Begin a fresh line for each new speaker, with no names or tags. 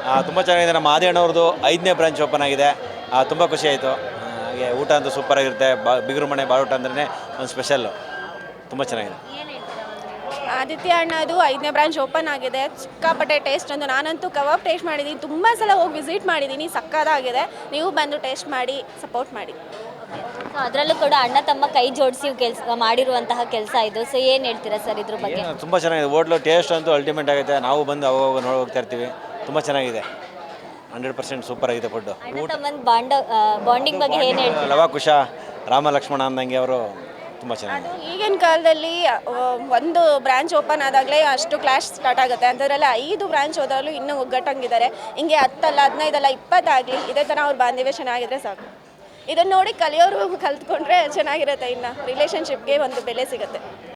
ತುಂಬ ಚೆನ್ನಾಗಿದೆ. ನಮ್ಮ ಆದಿಯಣ್ಣವ್ರದ್ದು 5ನೇ ಬ್ರಾಂಚ್ ಓಪನ್ ಆಗಿದೆ. ತುಂಬ ಖುಷಿ ಆಯಿತು. ಹಾಗೆ ಊಟ ಅಂತೂ ಸೂಪರಾಗಿರುತ್ತೆ. ಬಿಗರು ಮನೆ ಬಾಳೂಟ ಅಂದ್ರೆ ಒಂದು ಸ್ಪೆಷಲ್ಲು, ತುಂಬ ಚೆನ್ನಾಗಿದೆ.
ಆದಿತ್ಯ ಅಣ್ಣದು 5ನೇ ಬ್ರಾಂಚ್ ಓಪನ್ ಆಗಿದೆ. ಸಿಕ್ಕಾಪಟ್ಟೆ ಟೇಸ್ಟ್ ಅಂದು ನಾನಂತೂ ಕಬಾಬ್ ಟೇಸ್ಟ್ ಮಾಡಿದ್ದೀನಿ, ತುಂಬ ಸಲ ಹೋಗಿ ವಿಸಿಟ್ ಮಾಡಿದ್ದೀನಿ. ಸಕ್ಕತ್ತಾಗಿದೆ. ನೀವು ಬಂದು ಟೇಸ್ಟ್ ಮಾಡಿ ಸಪೋರ್ಟ್ ಮಾಡಿ.
ಸೊ ಅದರಲ್ಲೂ ಕೂಡ ಅಣ್ಣ ತಮ್ಮ ಕೈ ಜೋಡಿಸಿ ಕೆಲಸ ಮಾಡಿರುವಂತಹ ಕೆಲಸ ಇದು. ಸೊ ಏನು ಹೇಳ್ತೀರಾ ಸರ್ ಇದ್ರ ಬಗ್ಗೆ?
ತುಂಬ ಚೆನ್ನಾಗಿದೆ. ಹೋಟ್ಲು ಟೇಸ್ಟ್ ಅಂತೂ ಅಲ್ಟಿಮೇಟ್ ಆಗುತ್ತೆ. ನಾವು ಬಂದು ಅವಾಗ ನೋಡಿ ಹೋಗ್ತಾ ಇರ್ತೀವಿ. ತುಂಬ ಚೆನ್ನಾಗಿದೆ. 100% ಸೂಪರ್ ಆಗಿದೆ ಫುಡ್ಡು.
ಅಣ್ಣ ತಮ್ಮನ ಬಾಂಡಿಂಗ್ ಬಗ್ಗೆ ಏನು ಹೇಳ್ತೀರಾ?
ಲವ ಕುಶ ರಾಮ ಲಕ್ಷ್ಮಣ ಅಂದಂಗೆ ಅವರು ತುಂಬ ಚೆನ್ನಾಗಿದೆ.
ಈಗಿನ ಕಾಲದಲ್ಲಿ ಒಂದು ಬ್ರಾಂಚ್ ಓಪನ್ ಆದಾಗಲೇ ಅಷ್ಟು ಕ್ಲಾಶ್ ಸ್ಟಾರ್ಟ್ ಆಗುತ್ತೆ. ಅಂಥದ್ರಲ್ಲಿ 5 ಬ್ರಾಂಚ್ ಹೋದಾಗಲೂ ಇನ್ನೂ ಒಗ್ಗಟ್ಟಂಗಿದ್ದಾರೆ. ಹಿಂಗೆ 10 ಅಲ್ಲ 15 ಅಲ್ಲ 20 ಆಗಲಿ ಇದೇ ಥರ ಅವ್ರ ಬಾಂಧವ್ಯ ಚೆನ್ನಾಗಿದ್ರೆ ಸಾಕು. ಇದನ್ನು ನೋಡಿ ಕಲಿಯೋರು ಕಲ್ತ್ಕೊಂಡ್ರೆ ಚೆನ್ನಾಗಿರುತ್ತೆ. ಇನ್ನು ರಿಲೇಷನ್ಶಿಪ್ಗೆ ಒಂದು ಬೆಲೆ ಸಿಗುತ್ತೆ.